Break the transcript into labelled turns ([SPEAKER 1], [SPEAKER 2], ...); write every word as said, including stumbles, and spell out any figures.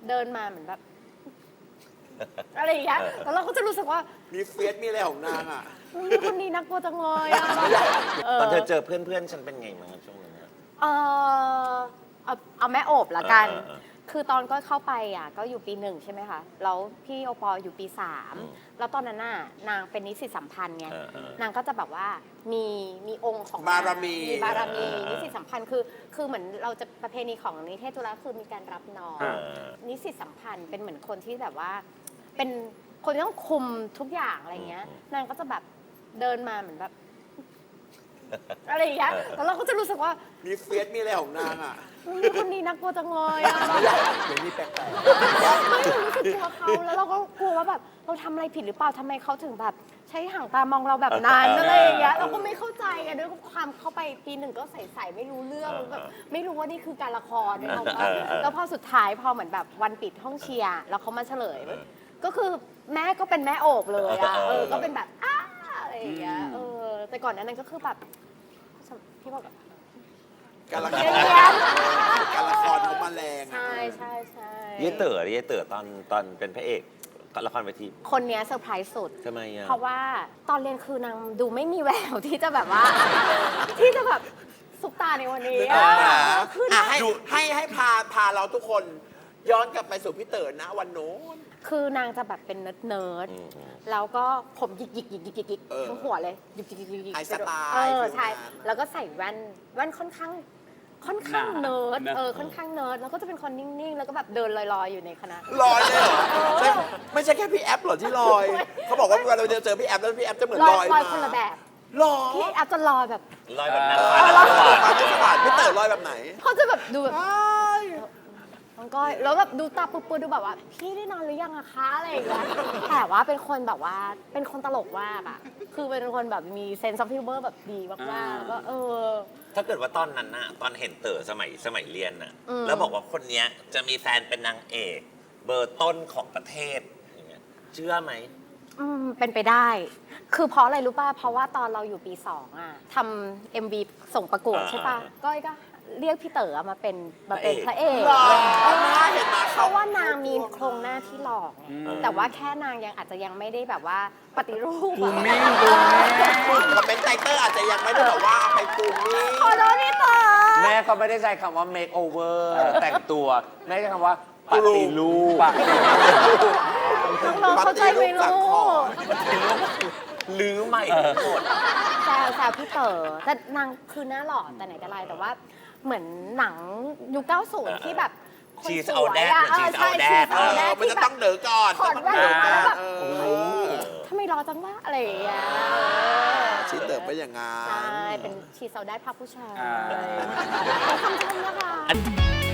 [SPEAKER 1] เดินมาเหมือนแบบอะไรอย่างเงี้ยแล้วเราก็จะรู้สึกว่า
[SPEAKER 2] มีเฟียสมีอะไรของนางอ่ะ
[SPEAKER 1] คนนี้น่ากลัวจังเลยอะ
[SPEAKER 3] ตอนเธอเจอเพื่อนๆฉันเป็นไงบ้างช่วงนั้น
[SPEAKER 1] เออเอาเอาแม่โอบละกัน คือตอนก็เข้าไปอ่ะก็อยู่ปีหนึ่งใช่ไหมคะแล้วพี่โอปออยู่ปีสามแล้วตอนนั้นน่ะนางเป็นนิสิตสัมพันธ์ไงนางก็จะแบบว่ามีมีองค์ของ
[SPEAKER 2] บารมี
[SPEAKER 1] มีบารมีนิสิตสัมพันธ์คือคือเหมือนเราจะประเพณีของนิเทศจุฬาคือมีการรับน้องนิสิตสัมพันธ์เป็นเหมือนคนที่แบบว่าเป็นคนที่ต้องคุมทุกอย่างอะไรเงี้ยนางก็จะแบบเดินมาเหมือนแบบอะไรอย่างเงี้ยแล้วเราก็จะรู้สึกว่า
[SPEAKER 2] มีเฟียสมีอะไรของนางอ่ะ
[SPEAKER 1] คนนี้น่ากลัวจังเลยอะ
[SPEAKER 2] เดี๋ยวนี้แปลก
[SPEAKER 1] ๆไม่รู้สึกกลัวเขาแล้วเราก็กลัวว่าแบบเราทำอะไรผิดหรือเปล่าทำไมเขาถึงแบบใช้ห่างตามองเราแบบนั้นอะไรอย่างเงี้ยเราก็ไม่เข้าใจอะด้วยความเข้าไปปีหนึ่งก็ใส่ๆไม่รู้เรื่องแบบไม่รู้ว่านี่คือการละครเนี่ยแล้วพอสุดท้ายพอเหมือนแบบวันปิดห้องเชียร์แล้วเขามาเฉลยก็คือแม่ก็เป็นแม่โอบเลยอะเออก็เป็นแบบอ้าอะไรอย่างเงี้ยเออแต่ก่อนนั้นก็คือแบบพี่บอก
[SPEAKER 2] การละครการละครเขามาแรง
[SPEAKER 1] ใช่ใช่ใช่
[SPEAKER 3] เย่เต๋อเย่เต๋อตอนตอนเป็นพระเอกละครเวที
[SPEAKER 1] คนนี้เซอร์ไพรส์สุด
[SPEAKER 3] ทำไมอ่ะ
[SPEAKER 1] เพราะว่าตอนเรียนคือนางดูไม่มีแววที่จะแบบว่าที่จะแบบซุปตาในวันนี้
[SPEAKER 2] คือให้ให้ให้พาพาเราทุกคนย้อนกลับไปสู่พี่เต๋อนะวันโน้น
[SPEAKER 1] คือนางจะแบบเป็นเนิร์ดเนิร์ดแล้วก็ผมหยิกหยิกหยิกหยิกหยิกทั้งหัวเลยหยิกหยิกหยิกหยิก
[SPEAKER 2] ไอสไตล์
[SPEAKER 1] เออใช่แล้วก็ใส่แว่นแว่นค่อนข้างค่อนข้างเนิร์ดเออค่อนข้างเนิร์ดแล้วก็จะเป็นคนนิ่งๆแล้วก็แบบเดินลอยๆอยู่ในคณะ
[SPEAKER 2] ลอยเลยเหรอไม่ใช่แค่พี่แอปหรอที่ลอยเขาบอกว่าเวลาเราเจอพี่แอปแล้วพี่แอปจะเหมือนลอย
[SPEAKER 1] ลอยคนละแบบ
[SPEAKER 2] ลอย
[SPEAKER 1] พี่แอปจะลอยแบบ
[SPEAKER 3] ลอยแบบนั้น
[SPEAKER 2] ลอยแบบสบายพี่เต๋อลอยแบบไหน
[SPEAKER 1] เขาจะแบบดูแบบมันก็แล้วแบบดูตาปุบๆดูแบบว่าพี่ได้นอนหรือยังอะคะอะไรอย่างเงี้ยแต่ว่าเป็นคนแบบว่าเป็นคนตลกมากอะคือเป็นคนแบบมีเซนส์ออฟฮิวเมอร์แบบดีมากๆก็เออ
[SPEAKER 3] ถ้าเกิดว่าตอนนั้นน่ะตอนเห็นเต๋อสมัยสมัยเรียนน่ะแล้วบอกว่าคนเนี้ยจะมีแฟนเป็นนางเอกเบอร์ต้นของประเทศอย่างเงี้ยเชื่อไหม
[SPEAKER 1] อืมเป็นไปได้ คือเพราะอะไรรู้ป่ะเพราะว่าตอนเราอยู่ปีสองอะทำเอ็มวีส่งประกวดใช่ป่ะก้อยก็เรียกพี่เต๋อมาเป็นมาเป็นพระเอกเพราะว่านางมีโครงหน้าที่หล่อไงแต่ว่าแค่นางยังอาจจะยังไม่ได้แบบว่าปฏิรูปอะ
[SPEAKER 2] คอมเมนต์ไตเตอร์อาจจะยังไม่ได้แบบว่าไปปูมิ่ง
[SPEAKER 1] ขอโทษพี่เต๋อ
[SPEAKER 4] แม่ก็ไม่ได้ใช้คำว่า make over แต่งตัวแม่ใช้คำว่าปฏิรูป
[SPEAKER 1] น้องเข้าใจไหมลูก
[SPEAKER 3] ลื้อใหม่ทั้งหมด
[SPEAKER 1] แซวแซวพี่เต๋อแต่นางคือหน้าหล่อแต่ไหนแต่ไรแต่ว่าเหมือนหนังยุคเก้าสิบที่แบบ
[SPEAKER 3] ชีสเอาแดดชีสเอาแดด
[SPEAKER 2] มันจะต้องเดือก่อน
[SPEAKER 1] ถอดแว่นแล้วแบบทำไมรอจังวะอะไรอย่างเงี้ย
[SPEAKER 2] ชีสเต๋อไปอย่างงั้น
[SPEAKER 1] ใช่เป็นชีสเอาแดดภาคผู้ชายขอบคุณนะคะ